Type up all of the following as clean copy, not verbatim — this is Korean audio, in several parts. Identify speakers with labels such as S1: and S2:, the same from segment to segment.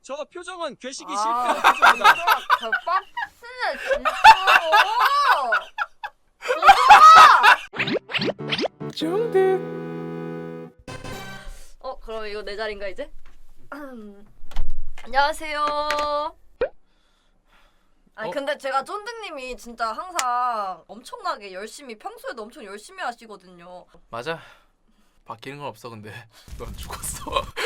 S1: 저 표정은 괴식이
S2: 아,
S1: 실패한 표정이다.
S2: 개빡치네 진짜로.
S3: 중득.
S2: 그럼 이거 내 자리인가 이제? 안녕하세요. 아니 근데 제가 쫀득님이 진짜 항상 엄청나게 열심히 평소에도 엄청 열심히 하시거든요.
S3: 맞아. 바뀌는 건 없어. 근데 넌 죽었어.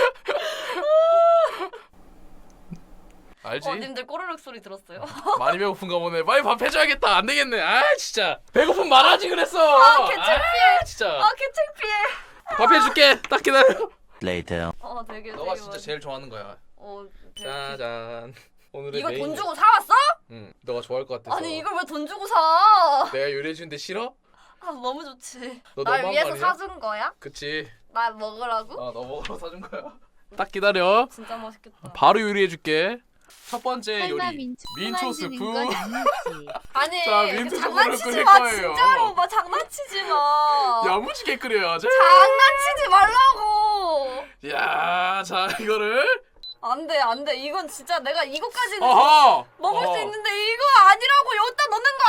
S3: 알지?
S2: 님들 꼬르륵 소리 들었어요?
S3: 많이 배고픈가 보네. 빨리 밥 해줘야겠다. 안 되겠네. 아 진짜 배고픔 말하지 그랬어.
S2: 아 개창피해.
S3: 진짜.
S2: 아 개창피해.
S3: 밥 해줄게. 딱 기다려.
S4: Later.
S2: 되게
S3: 너가 진짜 제일 좋아하는 거야.
S2: 되게
S3: 짜잔. 오늘의
S2: 이거
S3: 메인.
S2: 돈 주고 사왔어?
S3: 응. 너가 좋아할 것 같아서.
S2: 아니 이걸 왜 돈 주고 사?
S3: 내가 요리해 주는데 싫어?
S2: 아 너무 좋지.
S3: 너
S2: 날
S3: 너무한 거
S2: 위해서
S3: 아니야?
S2: 사준 거야?
S3: 그치.
S2: 날 먹으라고?
S3: 너 먹으러 사준 거야. 딱 기다려.
S2: 진짜 맛있겠다.
S3: 바로 요리해 줄게. 첫 번째
S5: 설마
S3: 요리. 민초 스프.
S2: 아니
S3: 자, 민트
S2: 장난치지
S3: 초코를
S2: 마
S3: 끓일 거예요.
S2: 진짜로 막 장난치지 마.
S3: 야무지게 끓여야지.
S2: 장난치지 말라고.
S3: 야, 자 이거를.
S2: 안돼 이건 진짜 내가 이거까지는
S3: 어허.
S2: 먹을
S3: 어허.
S2: 수 있는데 이거 아니라고 여기다 넣는 거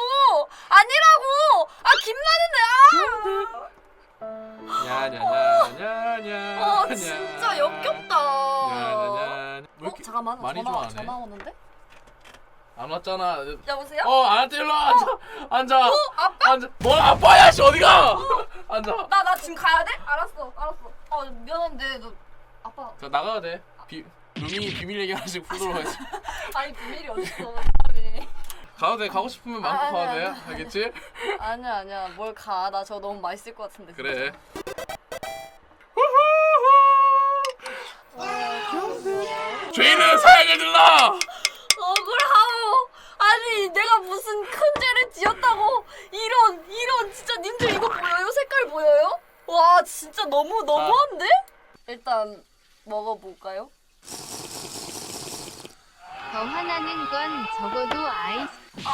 S2: 아니라고
S3: 야냐냐냐냐.
S2: 진짜 역겹다.
S3: 야냐냐. 왜 이렇게
S2: 잠깐만
S3: 많이
S2: 전화
S3: 좋아하네.
S2: 전화 오는데?
S3: 안 왔잖아.
S2: 여보세요?
S3: 안 왔대. 일로 와. 앉아.
S2: 아빠?
S3: 앉아. 뭘 아빠야? 씨 어디가? 앉아.
S2: 나 지금 가야 돼? 알았어 미안한데 너 아빠
S3: 자 나가야 돼. 루미 비밀 얘기 하나씩 풀도록 하겠습니다.
S2: 아니 비밀이 어딨어 사람이.
S3: 가도 돼. 가고 싶으면 마음껏
S2: 아니야,
S3: 가도 돼.
S2: 아니야.
S3: 알겠지?
S2: 아니야 뭘 가 나 저거 너무 맛있을 것 같은데
S3: 그래. 죄인은 사양을 들라.
S2: 억울하오. 아니 내가 무슨 큰 죄를 지었다고 이런 진짜 님들 이거 보여요? 색깔 보여요? 와 진짜 너무한데? 일단 먹어볼까요?
S5: 더 화나는 건 적어도 아이스.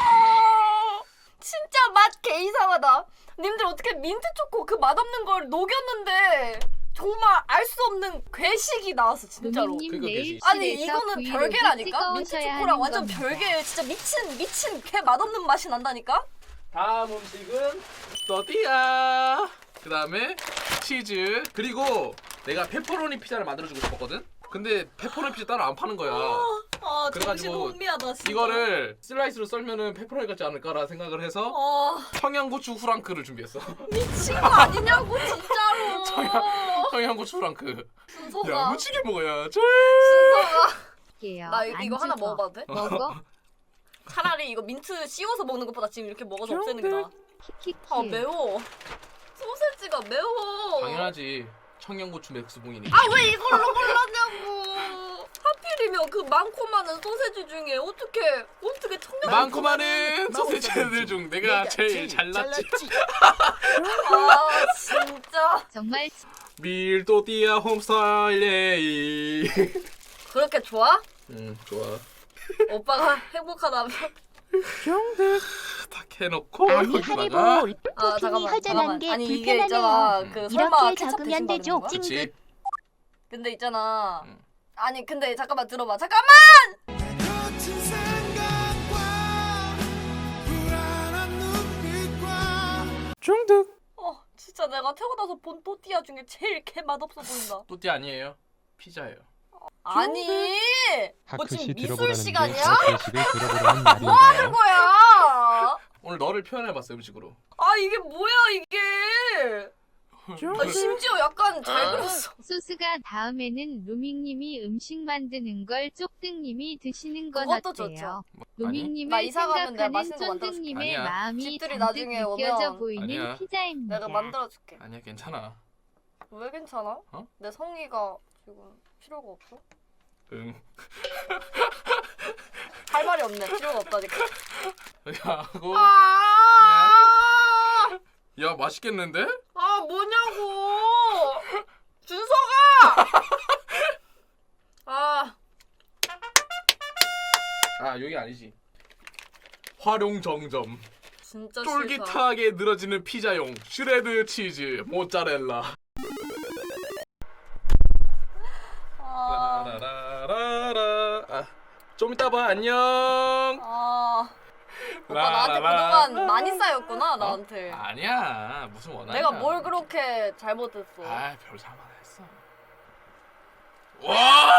S2: 진짜 맛 개 이상하다. 님들 어떻게 민트 초코 그 맛없는 걸 녹였는데 정말 알 수 없는 괴식이 나왔어 진짜로.
S5: 루미님
S3: 그거
S5: 내일
S3: 계시-
S2: 아니
S5: 실에서
S2: 이거는
S5: 브이로그
S2: 별개라니까? 민트
S5: 찍어오셔야
S2: 초코랑
S5: 하는
S2: 완전
S5: 겁니다.
S2: 별개. 진짜 미친 개 맛없는 맛이 난다니까?
S3: 다음 음식은 또띠아. 그 다음에 치즈. 그리고 내가 페퍼로니 피자를 만들어주고 싶었거든. 근데 페퍼로니 피자 따로 안 파는 거야.
S2: 정신
S3: 그래가지고
S2: 혼미하다 진짜.
S3: 이거를 슬라이스로 썰면은 페퍼로니 같지 않을까라 생각을 해서 청양고추 후랑크를 준비했어.
S2: 미친 거 아니냐고 진짜로.
S3: 청양고추 후랑크.
S2: 순서가
S3: 야무지게 먹어야지.
S5: 게요.
S2: 나 이거 하나 먹어봐도 돼?
S5: 먹어?
S2: 차라리 이거 민트 씌워서 먹는 것보다 지금 이렇게 먹어서 없애는 게 나아.
S5: 키키키.
S2: 매워. 소세지가 매워.
S3: 당연하지. 청양고추 맥스봉이니.
S2: 왜 이걸로 골랐냐고. 하필이면 그 많고 많은 소세지 중에 어떻게
S3: 많고 많은 소세지들 중 내가 제일 잘났지.
S2: 진짜
S5: 정말
S3: 밀도띠아 홈스타일 예이.
S2: 그렇게 좋아?
S3: 좋아.
S2: 오빠가 행복하다면.
S3: 딱 해놓고
S6: 아니
S3: 여기다가.
S6: 하리보 토핑이 허전한 게
S2: 아니 이게 있잖아 그 설마
S6: 이렇게
S2: 케첩
S6: 적으면
S2: 대신 바르는
S6: 되죠.
S2: 거야?
S3: 그치.
S2: 근데 있잖아
S3: 응.
S2: 아니 근데 잠깐만 들어봐 잠깐만.
S3: 중득.
S2: 진짜 내가 태어나서 본 또띠아 중에 제일 개 맛없어 보인다.
S3: 또띠 아니에요. 피자예요.
S2: 아니 뭐 지금 미술 시간이야?
S7: 괴식을 들어보라는
S2: 뭐 하는
S7: 말인가요?
S2: 거야?
S3: 오늘 너를 표현해봤어 음식으로.
S2: 이게 뭐야 이게? 심지어 약간 잘 그렸어.
S5: 소스가 다음에는 루밍님이 음식 만드는 걸 쪽등님이 드시는 건
S2: 그것도
S5: 어때요?
S2: 좋죠.
S3: 나
S5: 루밍님을
S2: 이사 가면 내가
S5: 생각하는
S2: 맛있는 거 만들어줄게.
S5: 쫀득님의
S3: 아니야.
S5: 마음이
S2: 집들이
S5: 잔뜩
S2: 나중에
S5: 느껴져
S2: 오면
S5: 보이는
S3: 아니야.
S5: 피자입니다.
S2: 내가 만들어줄게.
S3: 아니야 괜찮아.
S2: 왜 괜찮아?
S3: 어?
S2: 내 성의가 지금 필요가 없어?
S3: 응.
S2: 할 말이 없네. 필요가 없다니까.
S3: 하고.
S2: 아!
S3: 야 맛있겠는데?
S2: 뭐냐고! 준서가!
S3: 여기 아니지. 활용 정점.
S2: 진짜 싫다.
S3: 쫄깃하게 늘어지는 피자용 슈레드 치즈 모짜렐라. 라라라라라. 좀 이따 봐. 안녕.
S2: 아 오빠 나한테 그동안 많이 쌓였구나 나한테.
S3: 아니야. 무슨 원한이야.
S2: 내가 뭘 그렇게 잘못했어.
S3: 별 잘못 안 했어. 와!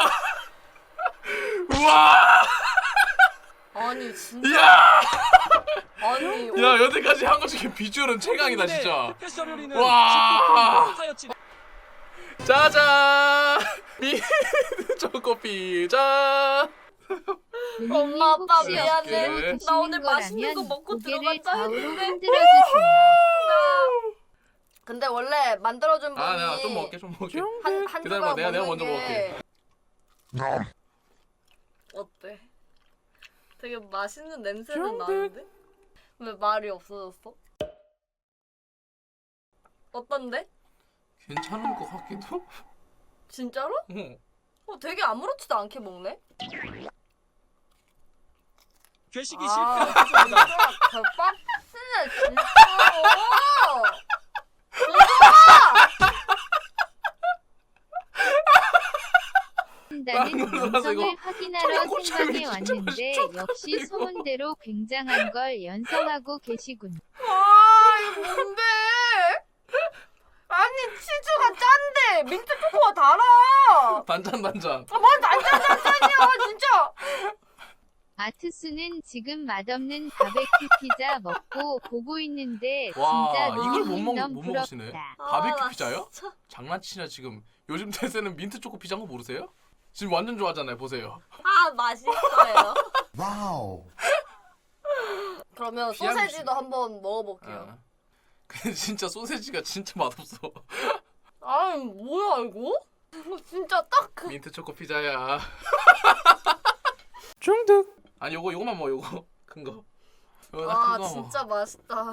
S3: 우와!
S2: 아니 진짜.
S3: 야!
S2: 아니
S3: 야, 여태까지 한 것 중에 비주얼은 최강이다, 진짜.
S1: 패션요리는
S3: 와!
S1: 하였지.
S3: 짜잔! 미트 초코 피자.
S2: 엄마 아빠
S5: 혹시
S2: 미안해.
S5: 옆으로
S2: 나 오늘
S5: 드시는
S2: 맛있는 거
S5: 거라면
S2: 먹고
S5: 고개를
S2: 들어갔다
S5: 좌우로
S2: 했는데.
S5: 흔들어주세요.
S2: 근데 원래 만들어준 분이
S3: 내가 좀 먹을게, 좀 먹을게.
S2: 한
S3: 기다려봐,
S2: 조각
S3: 내가
S2: 먹는
S3: 먼저
S2: 게
S3: 먹을게.
S2: 어때? 되게 맛있는 냄새는 나는데? 왜 말이 없어졌어? 어떤데?
S3: 괜찮은 것 같기도?
S2: 진짜로?
S3: 응.
S2: 되게 아무렇지도 않게 먹네?
S1: 괴식이
S2: 아,
S1: 실패했습니다.
S2: 개빡치네 진짜로.
S5: 한다는
S3: 놀라서 이거
S5: 영상을 확인하러
S3: 청양고추장이
S5: 생방에
S3: 진짜
S5: 왔는데
S3: 맛있죠?
S5: 역시
S3: 이거.
S5: 소문대로 굉장한 걸 연상하고 계시군.
S2: 이거 뭔데? 아니 치즈가 짠데 민트 초코가 달아.
S3: 단짠.
S2: 뭔 단짠단짠이야 진짜.
S5: 아트수는 지금 맛없는 바베큐 피자 먹고 보고 있는데
S3: 와,
S5: 진짜
S3: 이걸 못
S5: 루밍님 너무
S3: 먹으시네.
S5: 부럽다.
S3: 바베큐
S2: 나
S3: 피자요?
S2: 진짜.
S3: 장난치냐 지금. 요즘 대세는 민트 초코 피자인 거 모르세요? 지금 완전 좋아하잖아요. 보세요.
S2: 맛있어요.
S6: 와우.
S2: 그러면
S3: 피하고
S2: 소세지도 한번 먹어볼게요.
S3: 어. 근데 진짜 소세지가 진짜 맛없어.
S2: 아니 뭐야 이거? 이거 진짜 딱 그.
S3: 민트 초코 피자야. 중독. 아니 요거만 먹어. 요거 큰 거. 요거 큰 거
S2: 진짜 맛있다.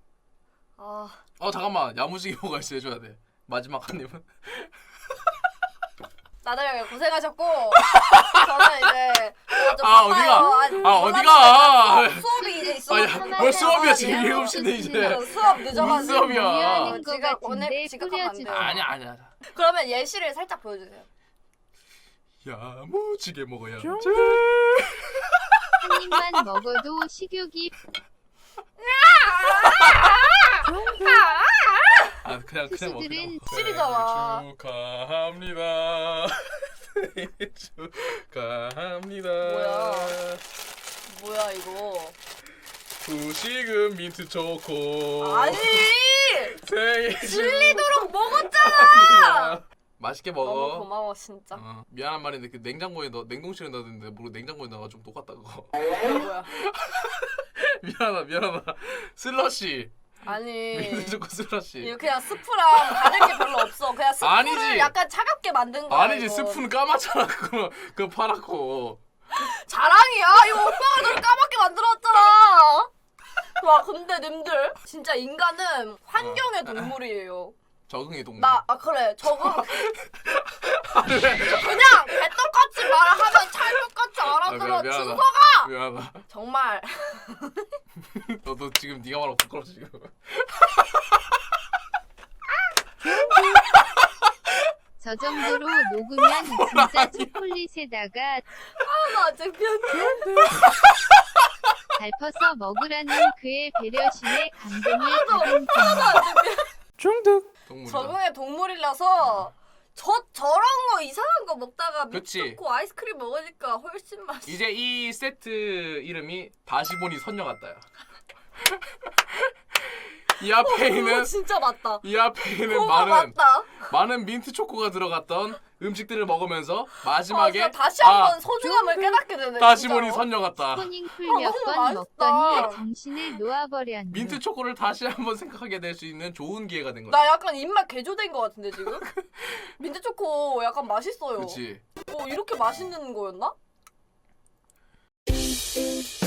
S3: 잠깐만. 야무지게 먹어야 해줘야 돼. 마지막 한 입은.
S2: 다들 고생하셨고 저는 이제 좀
S3: 어디가?
S2: 바빠요.
S3: 어디가?
S2: 수업이 이제 있어.
S3: 뭘 수업이야 지금 7시인데 이제.
S2: 수업
S3: 무슨
S2: 늦어가지고.
S3: 수업이야?
S5: 미안한 거
S2: 지각, 오늘
S5: 같은데
S2: 지각하면 안 돼요.
S5: 뿌려주세요.
S3: 아니야.
S2: 그러면 예시를 살짝 보여주세요.
S3: 야무지게 먹어야 지.
S5: 한 입만 먹어도 식욕이
S3: 그냥
S5: 투수들은
S3: 먹어.
S2: 찔이잖아.
S3: 축하합니다. 생일 축하합니다.
S2: 뭐야 이거?
S3: 후식은 민트 초코.
S2: 아니
S3: 생일
S2: 질리도록 먹었잖아.
S3: 맛있게
S2: 너무
S3: 먹어.
S2: 고마워 진짜.
S3: 미안한 말인데 그 냉장고에 냉동실에 넣었는데 모르고 냉장고에 넣어가지고 똑같다 그거.
S2: 뭐야?
S3: 미안하다. 슬러시.
S2: 아니
S3: 민트 초코 슬러시.
S2: 이거 그냥 스프랑 다른 게 별로 없어. 그냥 스프를
S3: 아니지.
S2: 약간 차갑게 만든 거야.
S3: 아니지
S2: 이거.
S3: 스프는 까맣잖아 그거 파랗고.
S2: 자랑이야. 이거 오빠가 널 까맣게 만들었잖아. 와 근데 님들 진짜 인간은 환경의 동물이에요.
S3: 적응의 동물.
S2: 그래 적응.
S3: 왜?
S2: 그냥 개떡같이 말하면 찰떡같이 알아들어.
S3: 미안하다.
S2: 준서가
S3: 미안하다.
S2: 정말
S3: 너도 지금 네가 말하고 부끄러워 지금.
S5: 저 정도로 녹으면 진짜 초콜릿에다가
S2: 나 창피한데.
S5: 밟혀서 먹으라는 그의 배려심에 감동을 받은
S3: 중독. 동물이다.
S2: 적응의 동물이라서 저런 거 이상한 거 먹다가
S3: 그치.
S2: 미쳤고 아이스크림 먹으니까 훨씬 맛있어.
S3: 이제 이 세트 이름이 다시보니 선녀 같다야. 이 앞에 있는
S2: 진짜 맞다.
S3: 이 앞에 있는
S2: 그거 맞다.
S3: 많은 민트 초코가 들어갔던 음식들을 먹으면서 마지막에
S2: 진짜 다시 한번 소중함을 깨닫게 되네.
S3: 다시보니
S2: 진짜로.
S3: 선녀 같다.
S5: 스포닝풀
S2: 너무
S5: 몇 번
S2: 맛있다.
S5: 먹더니 정신을 놓아버렸네.
S3: 민트 초코를 다시 한번 생각하게 될 수 있는 좋은 기회가 된 거야.
S2: 나 약간 입맛 개조된 거 같은데 지금? 민트 초코 약간 맛있어요.
S3: 그렇지.
S2: 이렇게 맛있는 거였나?